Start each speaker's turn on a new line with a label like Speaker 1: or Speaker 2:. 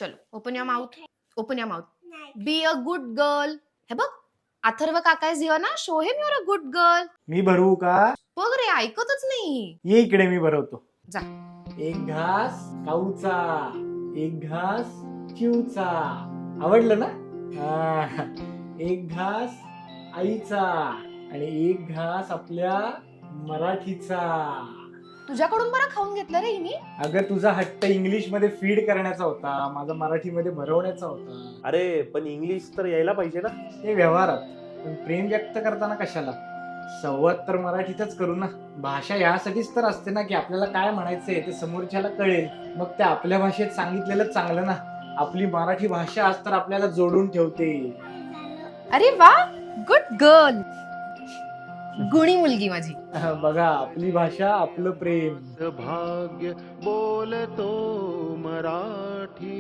Speaker 1: चलो open your mouth. Open your mouth. Be a good girl. हे बघ, अथर्व काका इज हिअर ना. Show him you're a good girl.
Speaker 2: मी भरवू का?
Speaker 1: बघ रे, ऐकतच नाही.
Speaker 2: ये इकडे, मी भरवतो.
Speaker 1: जा.
Speaker 2: एक घास काऊचा, एक घास चिवचा. आवडलं ना? एक घास आईचा आणि एक घास आपल्या मराठीचा.
Speaker 1: तुझ्याकडून बरं खाऊन घेतलं रे हिने.
Speaker 2: अगं, तुझा हट्ट इंग्लिश मध्ये फीड करण्याचा होता, माझा मराठीमध्ये भरवण्याचा होता.
Speaker 3: अरे पण इंग्लिश तर यायला पाहिजे ना.
Speaker 2: ते व्यवहारात, पण प्रेम व्यक्त करताना कशाला? संवाद तर मराठीतच करू ना. भाषा यासाठीच तर असते ना, की आपल्याला काय म्हणायचंय ते समोरच्याला कळेल. मग ते आपल्या भाषेत सांगितलेलं चांगलं ना. आपली मराठी भाषा आज तर आपल्याला जोडून ठेवते.
Speaker 1: अरे वा, गुड गर्ल. गुणी मुलगी माझी.
Speaker 2: बघा, आपली भाषा, आपलं प्रेम.
Speaker 4: भाग्य बोलतो मराठी.